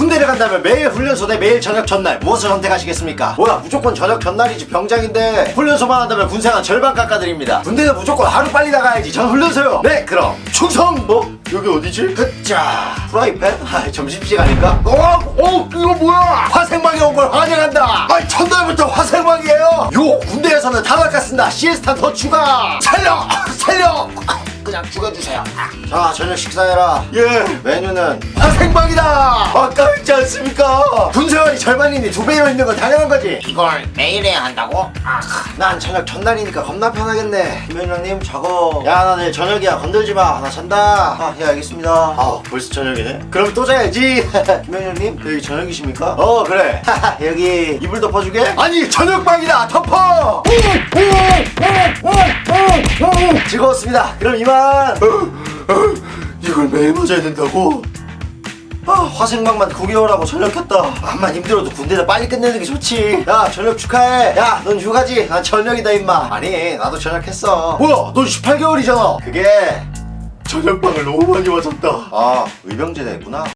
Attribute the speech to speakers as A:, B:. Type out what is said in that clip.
A: 군대를 간다면 매일 훈련소 대 매일 저녁 전날 무엇을 선택하시겠습니까? 뭐야 무조건 저녁 전날이지 병장인데. 훈련소만 한다면 군생활 절반 깎아드립니다. 군대는 무조건 하루 빨리 나가야지. 전 훈련소요. 네 그럼 충성. 여기 어디지? 자 프라이팬? 점심시간인가? 이거 뭐야? 화생방에 온 걸 환영한다. 첫날부터 화생방이에요. 요 군대에서는 다 바꿨습니다. 시에스타 더 추가. 살려 그냥 죽여주세요. 자 저녁 식사해라. 예. 메뉴는 화생방이다. 아까웠지 않습니까? 군생활이 절반이니 2배로 있는 건 당연한 거지.
B: 이걸 매일 해야 한다고?
A: 난 저녁 전날이니까 겁나 편하겠네. 김현영님 저거. 야 나 내일 저녁이야 건들지마. 나 잔다. 예 알겠습니다. 벌써 저녁이네. 그럼 또 자야지. 김현영님 여기 저녁이십니까? 그래. 여기 이불 덮어주게? 아니 저녁방이다. 덮어. 즐거웠습니다. 그럼 이만. 이걸 매일 맞아야 된다고? 화생방만 9개월하고 전역했다. 암만 힘들어도 군대에서 빨리 끝내는 게 좋지. 야 전역 축하해. 야 넌 휴가지? 난 전역이다 임마. 아니 나도 전역했어. 뭐야 넌 18개월이잖아. 그게 전역방을 너무 많이 맞았다. 의병제대 했구나.